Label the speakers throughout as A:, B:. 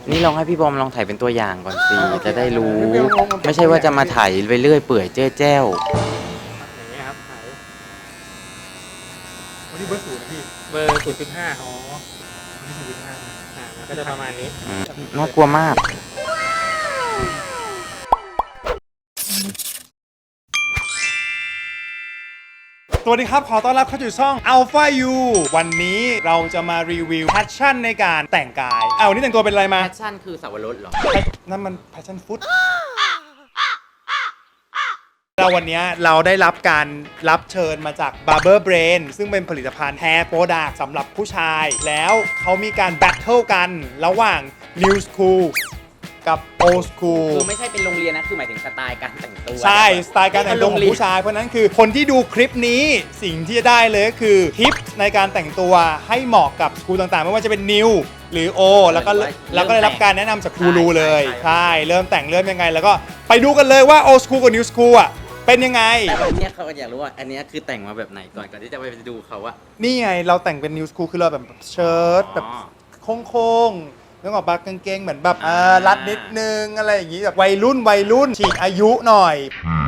A: นี่ลองให้พี่บอมลองถ่ายเป็นตัวอย่างก่อนสิจะได้รู้ ไม่ใช่ว่าจะมาถ่ายไปเรื่อยเปื่อยเจ้อแจ้ว
B: อย่างเงี้ยครับถ่ายวันนี้เบอร์0นะพี่เบอร์0.5อ๋อนี่0.5ก็จะประมาณนี้
A: น่ากลัวมาก
C: สวัสดีครับขอต้อนรับเข้าสู่ช่อง Alpha U วันนี้เราจะมารีวิวแพชชั่นในการแต่งกายวันนี้แต่งตัวเป็นอะไรมา
A: แพชชั่นคือสับปะรดเหรอ
C: นั่นมันแพชชั่นฟุตเราวันนี้เราได้รับการรับเชิญมาจาก Barber Brain ซึ่งเป็นผลิตภัณฑ์ Hair Product สำหรับผู้ชายแล้วเขามีการแบทเทิลกันระหว่าง New School กับ Old School
A: คือไม่ใช่เป็นโรงเรียนนะคือหมายถึงสไตล์การแต่งตัว
C: ใช่สไตล์การแต่งตัวของผู้ชายเพราะนั้นคือคนที่ดูคลิปนี้สิ่งที่จะได้เลยก็คือทิปในการแต่งตัวให้เหมาะกับสกูลต่างๆไม่ว่าจะเป็น New หรือ O แล้วก็ได้รับการแนะนำจากครูรูเลยใช่เริ่มแต่งเริ่มยังไงแล้วก็ไปดูกันเลยว่า Old School กับ New School อ่ะเป็นยังไง
A: แต่วันนี้เขาอยากรู้ว่าอันนี้คือแต่งมาแบบไหนก่อนที่จะไปดูเขาอะ
C: นี่ไงเราแต่งเป็น New School คือเราแบบเชิ้ตแบบโค้งๆนึกออกปะกางเกงเหมือนแบบรัดนิดนึงอะไรอย่างงี้แบบวัยรุ่นฉีกอายุหน่อย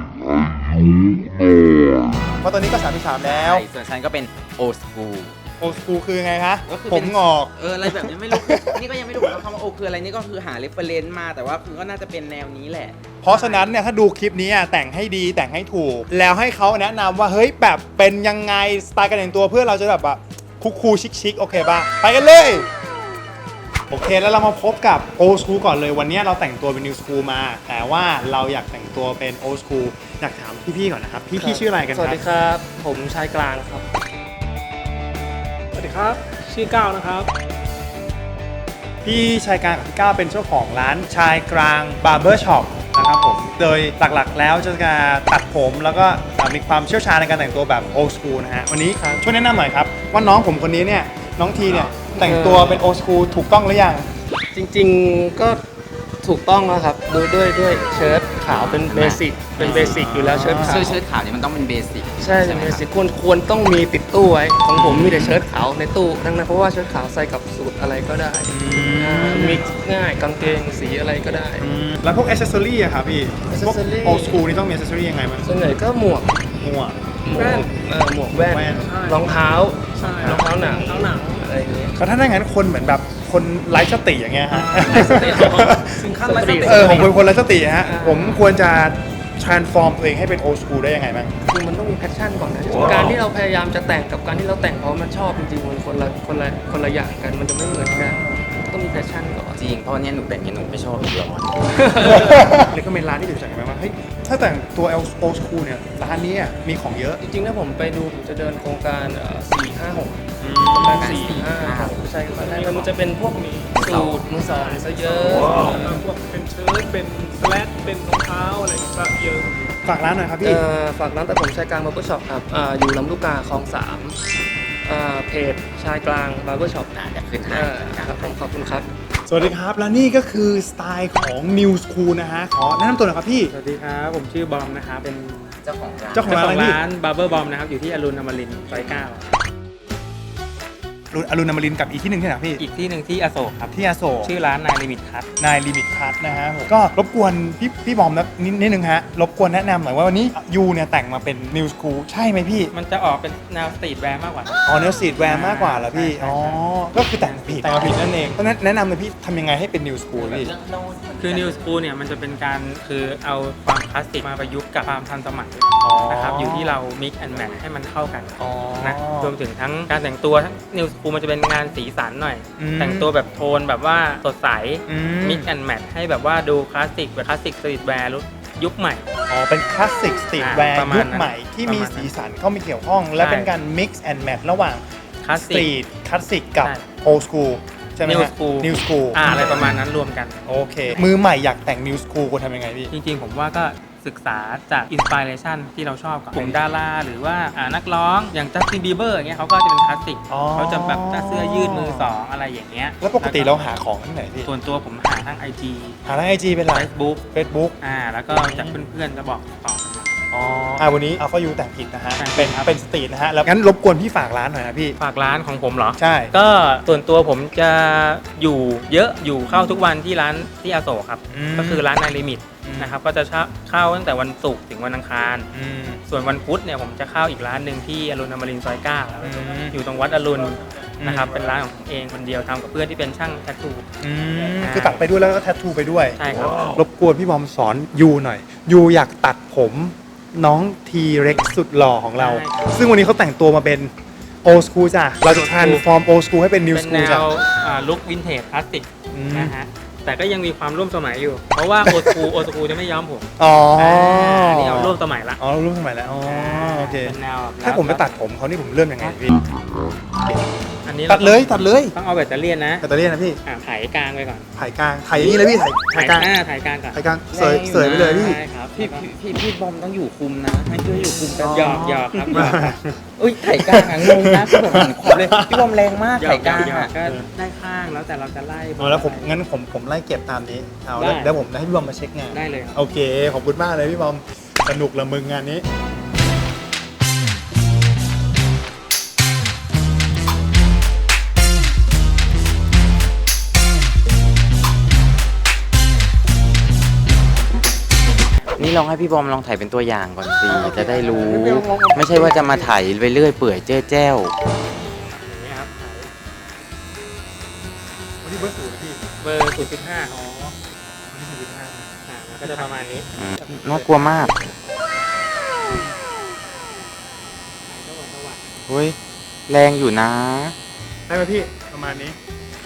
C: เพราะตอนนี้ก็33แล้ว
A: ส่วนฉันก็เป็นโอสคูล
C: โอสคูลคือไงคะผมงอก
A: อะไรแบบนี้ไม่รู้ นี่ก็ยังไม่รู้ว่าคำว่าโอคืออะไรนี่ก็คือหาเรฟเฟรนซ์มาแต่ว่าคือก็น่าจะเป็นแนวนี้แหละ
C: เพราะฉะนั้นเนี่ยถ้าดูคลิปนี้แต่งให้ดีแต่งให้ถูกแล้วให้เขาแนะนำว่าเฮ้ยแบบเป็นยังไงสไตล์การแต่งตัวเพื่อเราจะแบบคูลชิคๆโอเคป่ะไปกันเลยโอเคแล้วเรามาพบกับโอสคูลก่อนเลยวันนี้เราแต่งตัวเป็นนิวสคูลมาแต่ว่าเราอยากแต่งตัวเป็นโอสคูลอยากถามพี่ๆก่อนนะครับพี่ชื่ออะไรกันครับ
B: สวัสดีครับผมชายกลางครับสวัสดีครับชื่อก้าวนะครับ
C: พี่ชายกลางกับพี่ก้าวเป็นเจ้าของร้านชายกลางบาร์เบอร์ช็อปนะครับผมโดยหลักๆแล้วจะตัดผมแล้วก็มีความเชี่ยวชาญในการแต่งตัวแบบโอสคูลนะฮะวันนี้ช่วยแนะนำหน่อยครับว่าน้องผมคนนี้เนี่ยน้องทีเนี่ยแต่งตัวเป็นโอสคูลถูกต้องหรือยัง
B: จริงๆก็ถูกต้องแล้วครับด้วยเชิ้ตขาวเป็นเบสิกอยู่แล้วเชิ้ตขาว
A: เชิ้ตขาวเนี่ยมันต้องเป็นเบสิก
B: ใช่เป็นเบสิกควรต้องมีติดตู้ไว้ของผมมีแต่เชิ้ตขาวในตู้ทั้งนั้นเพราะว่าเชิ้ตขาวใส่กับสูทอะไรก็ได้มิกซ์ง่ายกางเกงสีอะไรก็ได้
C: แล้วพวกแอคเซสซอรี่อะครับพี่พวกโอสคูลนี่ต้องมีแอคเซสซอรี่ยังไงบ้าง
B: ส่วนใหญ่ก็หมวกแว่นหมวกแว่นรองเท้ารองเท้าหนังอะไรอย่างเงี้ย
C: แล้วถ้าอย่างนั้นคนเหมือนแบบคนไร้สติอย่างเงี้ยฮะ
B: ถึงขั้นไร้สติ
C: ผมเป็นคนไร้สติฮะผมควรจะ transform ตัวเองให้เป็นโอสคูลได้ยังไงบ้าง
B: คือมันต้องมีแพชชั่นก่อนนะการที่เราพยายามจะแต่งกับการที่เราแต่งเพราะมันชอบจริงๆมันคนละอย่างกันมันจะไม่เหมือนกันต้องมีแพชชั่นก่อน
A: จริงเพราะเนี่ยหนูแต่งเนี่ยหนูไม่ชอบอีกร้อน
C: เลยก็เป็นร้านที่อยู่จากไหนว่าเฮ้ยถ้าแต่งตัวโอสคูลเนี่ยร้านนี้มีของเยอะ
B: จริงๆถ้าผมไปดูผมจะเดินโครงการ4-5-6ใช่ครับแล้วมันจะเป็นพวกมีสูตรมือสองซะเยอะพวกเป็นเชิ้ตเป็นสแลตเป็นรองเท้าอะไรก็เยอะ
C: ฝากร้านหน่อยครับพี่
B: ฝากร้านแต่ผมชายกลางบาร์เบอร์ช็อปครับอยู่ลำลูกกาคลอง3เพจชายกลางบาร์เบอร์ช็อป
A: จะขึ้นให้
B: ครับผมขอบคุณครับ
C: สวัสดีครับและนี่ก็คือสไตล์ของ New School นะฮะขอแนะนำตัวหน่อยครับพี่
B: สวัสดีครับผมชื่อบอมนะครับเป็น
A: เจ้าของ
B: ร้านบาร์เบอร์บอมนะครับอยู่ที่อรุณอมรินทร์ซอย9
C: อรุณอมรินทร์กับอีกที่หนึ่งที่ไหนพี่
B: อีกที่หนึ่งที่อโศกครับ
C: ที่อโศก
B: ชื่อร้านนายลิมิตคัท
C: นะฮะก็รบกวนพี่บอมนิดนึงฮะรบกวนแนะนำหน่อยว่าวันนี้ยูเนี่ยแต่งมาเป็น New School ใช่ไหมพี่
B: มันจะออกเป็นแนวสตรีทแวร์มากกว่า
C: แนวสตรีทแวร์มากกว่าเหรอพี่ก็คือแต่งมาผิดนั่นเองเพราะนั้นแนะนำเลยพี่ทำยังไงให้เป็น New School พี่
B: คือ New School เนี่ยมันจะเป็นการคือเอาความคลาสสิกมาประยุกต์กับความทันสมัยนะครับอยู่ที่เรา mix and match ให้มันเข้ากันนะรวมถึงทั้งการแต่งตัวทั้ง New School มันจะเป็นงานสีสันหน่อยแต่งตัวแบบโทนแบบว่าสดใส mix and match ให้แบบว่าดูคลาสสิกแบบคลาสสิกสตรีทแวร์ยุคใหม่
C: เป็นคลาสสิกสตรีทแวร์ยุคใหม่ที่มีสีสันเข้ามาเกี่ยวข้องและเป็นการ mix and match ระหว่างสตรีทคลาสสิกกับ old school ใช่ไหม New School
B: อะไรประมาณนั้นรวมกัน
C: โอเคมือใหม่อยากแต่ง New School ควรทำยังไงพี่
B: จริงๆผมว่าก็ศึกษาจากอินสปิเรชันที่เราชอบกับกลุ่มดาราหรือว่านักร้องอย่างจัสตินบีเบอร์อย่างเงี้ยเขาก็จะเป็นคลาสสิกเขาจะแบบเสื้อยืดมือสองอะไรอย่างเงี้ย
C: แล้วปกติเราหาของที่ไหนพี่
B: ส่วนตัวผมหาทาง IG
C: เป็นไร
B: Facebook
C: แล้ว
B: ก็จากเพื่อนๆจะบอกต่อ
C: วันนี้ Alpha U แต่งผิดนะฮะ
B: แต่งผิด
C: เป็น
B: ครับ
C: เป็นสตรีทนะฮะแล้วงั้นรบกวนพี่ฝากร้านหน่อยนะพี่
B: ฝากร้านของผมเหรอ
C: ใช่
B: ก็ส่วนตัวผมจะอยู่เยอะอยู่เข้าทุกวันที่ร้านที่อโศกครับ ก็คือร้านในลิมิตนะครับก็จะเข้าตั้งแต่วันศุกร์ถึงวันอังคาร ส่วนวันพุธเนี่ยผมจะเข้าอีกร้านหนึ่งที่อรุณอมรินทร์ซอย9อยู่ตรงวัดอรุณนะครับเป็นร้านของผมเองคนเดียวทำกับเพื่อนที่เป็นช่างแทททู
C: คือตัดไปด้วยแล้วก็แทททูไปด้วย
B: ใช่ครับ
C: รบกวนพี่บอมสอนยูหน่อยยูอยากตัดผมน้องทีเร็กสุดหล่อของเรา ซึ่งวันนี้เขาแต่งตัวมาเป็นโอ school จ้ะเราจะ transform old school ให้เป็น new
B: เป็นแน
C: school จ้ะ
B: วลุควินเทจคลาสสิก
C: อืม
B: นะฮะแต่ก็ยังมีความร่วมสมัยอยู่ เพราะว่าโอสกูจะไม่ย้อมผม
C: อ๋อ
B: นี่เอาร่วมสมัยละ
C: อ๋อรุ่นสมัยแล้วอ๋อโอเค
B: เป็นแนวแบบ
C: ถ้าผมไปตัดผมเขานี่ผมเริ่มยังไงพี่
B: อันนี้
C: ตัดเลยตัดเลย
B: ต้องเอาแบตเตอรี่นะ
C: แบตเตอรี่นะพี่
B: ไถกลางไปก่อน
C: ถ่ายกลางถ่ายอย่างนี้เลยพี่ถ่ายกลาง
B: ไถกลางก่อน
C: ถ่ายกลางเสยเสยไปเลยพี่
B: ใช่ครับ
A: พี่บอมต้องอยู่คุมนะ ให้ช่วยอยู่คุมกัน
B: หยอกหยอกครับหยอกครับ
A: อุ้ยไถ่กลางอ่ะงงนะคือแบบเหมือนความเลยพี่บอมแรงมาก
B: หยอ
A: ไถ่
B: ก
A: กลาง
B: หยอก
A: อ่ะ
B: ก็ได้ข้างแล้วแต่เราจะไล่
C: เอาแล้วผมงั้นผมไล่เก็บตามนี้เอา
B: ได้
C: แล้วผมให้พี่บอมมาเช็คงาน
B: ได้เลยครับ
C: โอเคขอบคุณมากเลยพี่บอมสนุกละมึงงานนี้
A: นี่ลองให้พี่บอมลองถ่ายเป็นตัวอย่างก่อนสิจะได้รู้ ไม่ใช่ว่าจะมาถ่ายไปเรื่อยเปื่อยเจ้อแจ้ว
B: อย่างนี้ครับ
C: วันนี้เบอร์ศูนย์นะพี่
B: เบอร์ 0.5
C: วันนี้0.5
B: ก็จะประมาณนี้
A: น่ากลัวมากเฮ้ยแรงอยู่นะ
C: ได้ไหมพี่ประมาณนี้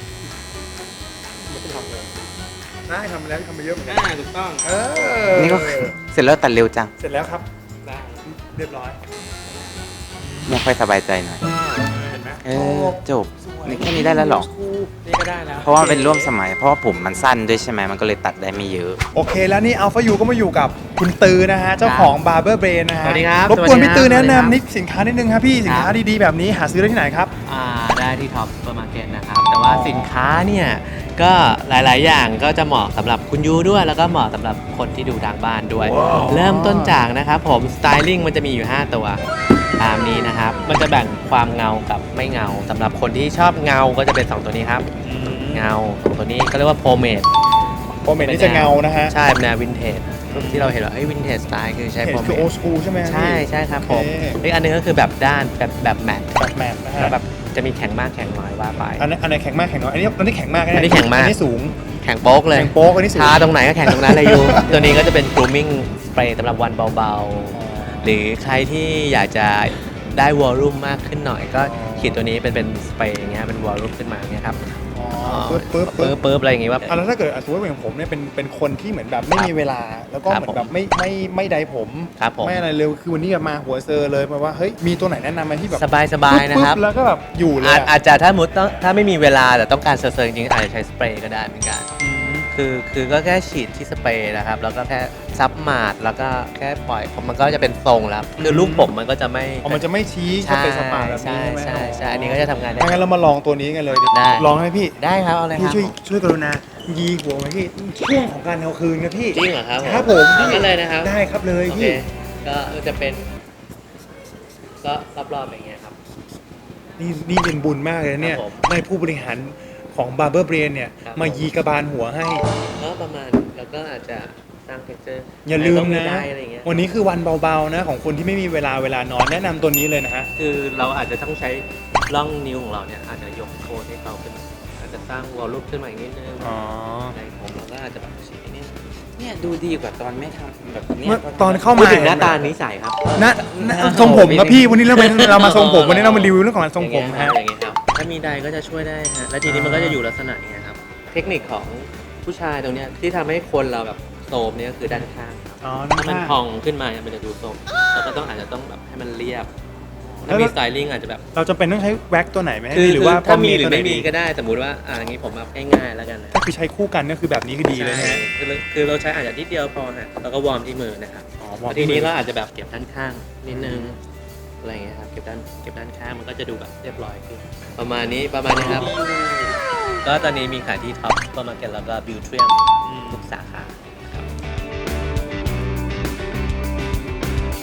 C: ได้ทำมาแล้วทำมาเยอะเหมือนกัน
B: ถูกต้อง
A: นี่ก็เสร็จแล้วตัดเร็วจัง
C: เสร็จแล้วครับ
B: ได้
C: เรียบร้อย
A: ไม่ค่อยสบายใจหน่อย
C: เห็นไหม
A: จบนี่แค่นี้ได้แล้วเหรอ
B: นี่ก็ได้แล้ว
A: เพราะว่ามันเป็นร่วมสมัย เพราะว่าผมมันสั้นด้วยใช่ไหมมันก็เลยตัดได้ไม่เยอะ
C: โอเคแล้วนี่ Alpha U ก็มาอยู่กับคุณตือนะฮะเจ้าของ Barber Brain นะฮะ
D: สวัสดีครับ
C: รบกวนพี่ตือ
D: สวั
C: แนะ
D: สดีครับ
C: นำนิดสินค้านิดนึงครับพี่สินค้าดีๆแบบนี้หาซื้อได้ที่ไหนครับ
D: ได้ที่ท็อปซูเปอร์มาร์เก็ตนะครับ แต่ว่าสินค้าเนี่ยก็หลาย ๆ อย่างก็จะเหมาะสำหรับคุณยูด้วย แล้วก็เหมาะสำหรับคนที่ดูทางบ้านด้วย เริ่มต้นจากนะครับผมสไตลิ่งมันจะมีอยู่ 5 ตัวตามนี้นะครับ มันจะแบ่งความเงากับไม่เงาสำหรับคนที่ชอบเงาก็จะเป็น 2 ตัวนี้ครับ เงาของตัวนี้ก็เรียกว่าโพเมด
C: โปรเมทนี่จะเงานะฮะ
D: ใช่เป็นแนววินเทจที่เราเห็นว่าวินเทจสไตล์คือใช้
C: เห็น
D: โพเม
C: คือ
D: ด
C: old school ใช่ไหม
D: ใช่ใช่ครับผม
C: โอเค
D: อีกอันหนึงก็คือแบบด้านแบบแมท
C: แบบแมทนะฮะ
D: แล้วแบบจะมีแข็งมากแข็งน้อยว่าไป
C: อันไหนแข็งมากแข็งน้อยอันนี้แข็งมากะ
D: อันนี้แข็งมาก
C: อันนี้สูง
D: แข็งโป๊กเลย
C: แข็งโป๊กอันนี้สูง
D: ทาตรงไหนก็แข็งตรงนั้นเลยยู ตัวนี้ก็จะเป็น grooming spray สำหรับวันเบาๆ หรือใครที่อยากจะได้วอลลุ่มมากขึ้นหน่อยก็ขีดตัวนี้เป็นสเปรย์อย่างเงี้ยเป็นวอลลุ่มขึ้นมาอย่างเงี้ยครับ
C: ปึ๊บ
D: อะไรอย่างงี้ว่า
C: แล้วถ้าเกิดสมมติว่าอย่างผมเนี่ยเป็นคนที่เหมือนแบบไม่มีเวลา แล้วก็
D: ครับ
C: เหมือนแบบไม่ใดผม
D: ครับผม
C: ไม่อะไรเลยคือวันนี้มาหัวเซอร์เลยมาว่าเฮ้ยมีตัวไหนแนะนำไหมที่แบบ
D: สบายๆนะครับ
C: ปึ๊แล้วก็แบบอยู่เลยอะ
D: อาจจะถ้าไม่มีเวลาแต่ต้องการเซอร์จริงๆอาจจะใช้สเปรย์ก็ได้เหมือนกัน คือก็แค่ฉีดที่สเปรย์นะครับแล้วก็แค่ซับมาดแล้วก็แค่ปล่อยมันก็จะเป็นทรงแล้วคือลูกผมมันก็จะไม่
C: มันจะไม่ชี้เข้าไปสปาแบบ
D: ใช่
C: นี้ใช่ไหม
D: ใช่อันนี้ก็จะทำงานได้
C: งั้นเรามาลองตัวนี้กันเลยดิ
D: ได้
C: ลองไหมพี่
D: ได้ครับเอาเลยค
C: พี่
D: รับ
C: ช่วยกรุณายีหัวไหมพี่ช่วงของการเอาคืนนะพี่
D: จริงเหรอครับ
C: ครับผม
D: เอากันเลยนะครับ
C: ได้ครับเลย
D: โอเค
C: พี่
D: ก็จะเป็นก็รอบๆอย่างเงี้ยครับ
C: นี่เป็นบุญมากเลยนะเนี่ย
D: ครับผม
C: ได้ผู้บริหารของ Barber Brain เนี่ย
D: ครับ
C: มายีกระบาลหัวให้
D: ก็ประมาณแล้วก็อาจจะสร้างเท็กเจอร์
C: อย่าลืมนะ
D: ได้อะไรอย่างเงี้ย
C: วันนี้คือวันเบาๆนะของคนที่ไม่มีเวลานอนแนะนำตัวนี้เลยนะฮะ
D: คือเราอาจจะต้องใช้ร่องนิ้วของเราเนี่ยอาจจะยกโคนให้เขาขึ้นมาอาจจะสร้างวอลลุ่มขึ้นมาอีกนิดนึง
C: อ๋อ
D: ในผมเราก็อาจจะแบบฉีดนิด
A: เนี่ยดูดีกว่าตอนไม่ทำแบบเนี้
C: เมื่อตอนเข้า
D: พูด
C: มา
D: ถึงหน้าตานิสัยครับ
C: นะทรงผมครับพี่วันนี้เรามาทรงผมวันนี้เรามารีวิวเรื่องของการทรงผม
D: อย่า
C: ฮะ
D: เงี้ยครับถ้ามีใดก็จะช่วยได้ฮะและทีนี้มันก็จะอยู่ลักษณะอย่างเงี้ยครับเทคนิคของผู้ชายตรงเนี้ยที่ทำให้คนเราแบบโทรมเนี่ยก็คือด้านข้างครับ
C: อ๋อ
D: ถ้ามันพองขึ้นมาเนี่ยมันจะดูโทรมแล้วก็อาจจะต้องแบบให้มันเรียบถ้ามีสไตลิ่งอาจจะแบบ
C: เราจะเป็นต้องใช้แว็กตัวไหนไหม
D: คือ
C: หรือว่า
D: ถ้ามีหรือ
C: ตัวไหน
D: ไม่มี
C: ดี
D: ก็ได้สมมุติว่าอย่างนี้ผมแบบง่ายๆแล้วกันนะ
C: ก็คือใช้คู่กันก็คือแบบนี้คือดีเลยนะ
D: ใช่
C: ฮะ
D: คือเราใช้อาจจะนิดเดียวพอฮะแล้วก็วอร์มที่มือนะครับ
C: อ๋อ
D: แล้วทีนี้เราอาจจะแบบเก็บด้านข้างนิดนึงอะไรอย่างเงี้ยครับเก็บด้านข้างมันก็จะดูแบบเรียบร้อยขึ้นประมาณนี้ครับ ก็ตอนนี้มีขายที่ท็อปซูเปอร์มาร์เก็ตแล้วก็บิวเทียมทุกสาขา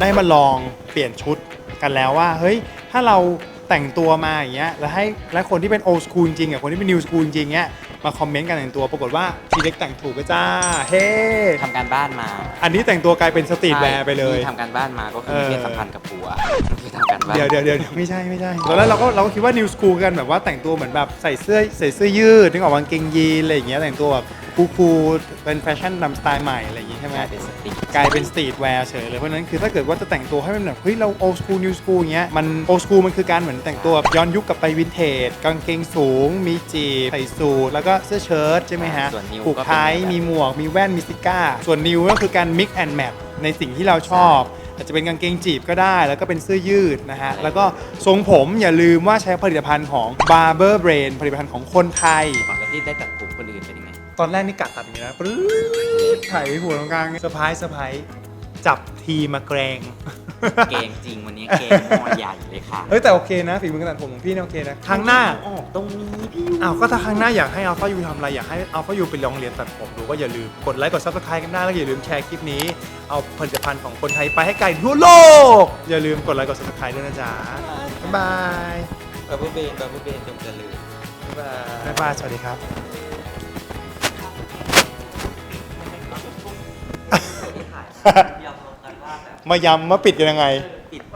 C: ได้มาลองเปลี่ยนชุดกันแล้วว่าเฮ้ยถ้าเราแต่งตัวมาอย่างเงี้ยแล้วคนที่เป็น old school จริงๆกับคนที่เป็น new school จริงๆเงี้ยมาคอมเมนต์กันแต่งตัวปรากฏว่าทีเล็กแต่งถูกก็จ้าเฮ้
A: ทำการบ้านมา
C: อันนี้แต่งตัวกลายเป็นสตรีทแวร์ไปเลย
A: ที่ทำการบ้านมาก็คือมีเพศสัมพันธ์กับผัวคือทำการบ้าน
C: เดี๋ยวไม่ใช่ตอนแรกเราก็คิดว่า new school กันแบบว่าแต่งตัวเหมือนแบบใส่เสื้อยืดนึกออกกางเกงยีนอะไรอย่างเงี้ยแต่งตัวแบบคูลๆเป็นแฟชั่นนำสไตล์ใหม่อะไรอย่างงี้ใช่ไหม
A: กลายเป็นสตรีท
C: กลายเป็นสตรีทแวร์เฉยเลยเพราะฉะนั้นคือถ้าเกิดว่าจะแต่งตัวให้มันแบบเฮ้ยเรา old school new school อย่างเงี้ยมัน old school มันคือการเหมือนแต่งตัวแบบย้อนยุคกลับไปวินเทจกางเกงสูงมีจีบใส่สูทแล้วก็เสื้อเชิ้ตใช่ไหมฮะ
A: ส่วน new
C: ผูก
A: ก็เป็น
C: ไทยมีหมวกมีแว่นมีซิก้าส่วน new ก็คือการ mix and match ในสิ่งที่เราชอบอาจจะเป็นกางเกงจีบก็ได้แล้วก็เป็นเสื้อยืดนะฮะแล้วก็ทรงผมอย่าลืมว่าใช้ผลิตภัณฑ์ของ Barber Brain ผลิตภัณฑ์ของคนไทย
A: ก่อนแล้วที่ได้ตัดผมคนอื่นเป็นยังไง
C: ตอนแรกนี่กะตัดอย่างนี้นะปรึ๊ดถ่ายหัวตรงกลางเซอร์ไพรส์จับทีมาแกรง
A: เกงจริงวันนี้เกงหม้อใหญ่เลยค่ะ
C: เฮ้ยแต่โอเคนะฝีมือการตัดผมของพี่เนี่ยโอเคนะครั้งหน้า
A: ออกตรงนี้พี่
C: อ้าวก็ถ้าครั้งหน้าอยากให้อัลฟายูทำอะไรอยากให้อัลฟายูไปลองเรียนตัดผมดูก็อย่าลืมกดไลค์กดซับสไครต์กันได้แล้วอย่าลืมแชร์คลิปนี้เอาผลิตภัณฑ์ของคนไทยไปให้ไกลทั่วโลกอย่าลืมกดไลค์กดซับสไครต์ด้วยนะจ๊ะบ๊ายบาย
A: บับเบิ้ลเบนจงเจริญบ๊ายบาย
C: บ๊ายบายสวัสดีครับ มายำมาปิดกันยังไง